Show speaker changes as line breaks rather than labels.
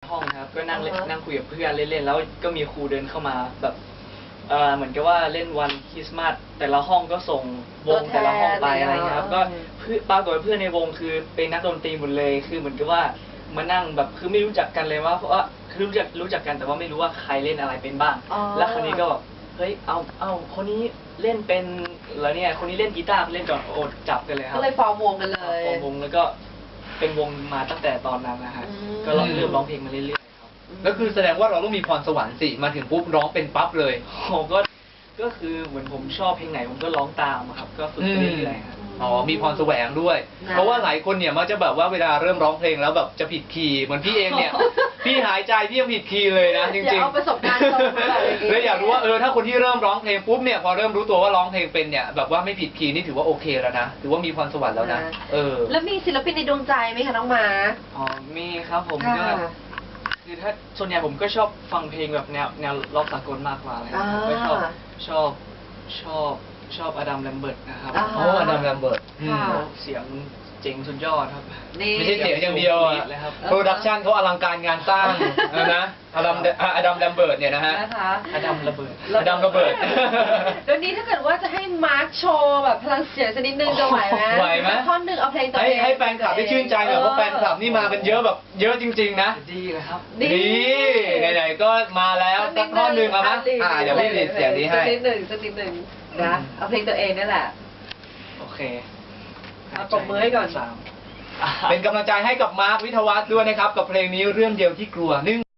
ห้องครับก็นั่งนั่งคุยกับเพื่อนเล่นๆแล้วก็มีครูเดินเข้ามาแบบเหมือนกับว่าเล่นวันคริสต์มาสแต่ละห้องก็ส่งวงแต่ละห้องไปอะไรเงี้ยครับก็ปรากฏว่าเพื่อนในวงคือเป็นนักดนตรีหมดเลยคือเหมือนกับว่ามานั่งแบบคือไม่รู้จักกันเลยว่าเพราะว่าคือรู้จักกันแต่ว่าไม่รู้ว่าใครเล่นอะไรเป็นบ้างแล้วคราวนี้ก็เฮ้ยเอาคนนี้เล่นเป็นแล้วเนี่ยคนนี้เล่นกีตาร์เล่นก่อนโอดจับกันเลยครับ
ก็เลยฟอร์มวงกันเลย
ฟอร์มวงแล้วก็เป็นวงมาตั้งแต่ตอนนั้นนะฮะก็เริ่มร้องเพลงมาเรื่อยๆครับ
แล้วคือแสดงว่าเราต้องมีพรสวรรค์สิมาถึงปุ๊บร้องเป็นปั๊บเลย
ผมก็คือเหมือนผมชอบเพลงไหนผมก็ร้องตามครับก็ฝึกไปเรื่อยๆครับ
อ๋อมีพรแสวงด้วยเพราะว่าหลายคนเนี่ยมักจะแบบว่าเวลาเริ่มร้องเพลงแล้วแบบจะผิดคีย์เหมือนพี่เองเนี่ย พี่หายใจพี่ยังผิดคีย์เลยนะจริงๆ
เอาประสบการณ์ตรงมาเลย
เลยอยากรู้ว่าถ้าคนที่เริ่มร้องเพลงปุ๊บเนี่ยพอเริ่มรู้ตัวว่าร้องเพลงเป็นเนี่ยแบบว่าไม่ผิดคีย์นี่ถือว่าโอเคแล้วนะถือว่ามีพรสวรรค์แล้วนะ
แล้วมีศิลปินในดวงใจไหมคะน้องมา
อ๋อมีครับผมก็คือถ้าส่วนใหญ่ผมก็ชอบฟังเพลงแบบแนวร็อกสากลมากกว่าเลยก็ชอบอดัมแลมเบิร์ตนะครับ
อดัมแลมเบิร์ต
เสียงเจ๋งสุดยอดครับ
ไม่ใช่เสียงอย่างเดียวโปรดักชันเขาอลังการงานสร้างนะอดัมแลมเบิร์ตเนี่ยนะฮะ
อดัมระเบิด
เดี๋ยวนี้ถ้าเกิดว่าจะให้มาร์คโชว์แบบพลังเสียงสักนิดนึงจะไหวไหม
ไหวไหม
ท่อนหนึ่งเอาเพลงตัวเอง
ให้แฟนคลับได้ชื่นใจหน่อยเพราะแฟนคลับนี่มากันเยอะแบบเยอะจริงๆนะ
ดีเลยครับ
ดีไหนๆก็มาแล้วสักท่อนหนึ่งเอาไหมเดี๋ยวพี่รีดเสียงนี้ให้
สักนิดหนึ่งนะเอาเพลงตัวเองนั่นแหละ
โอเค
ปรบมือให้ก่อน
เป็นกำลังใจให้กับมาร์ควิทยาวัฒน์ด้วยนะครับกับเพลงนี้เรื่องเดียวที่กลัว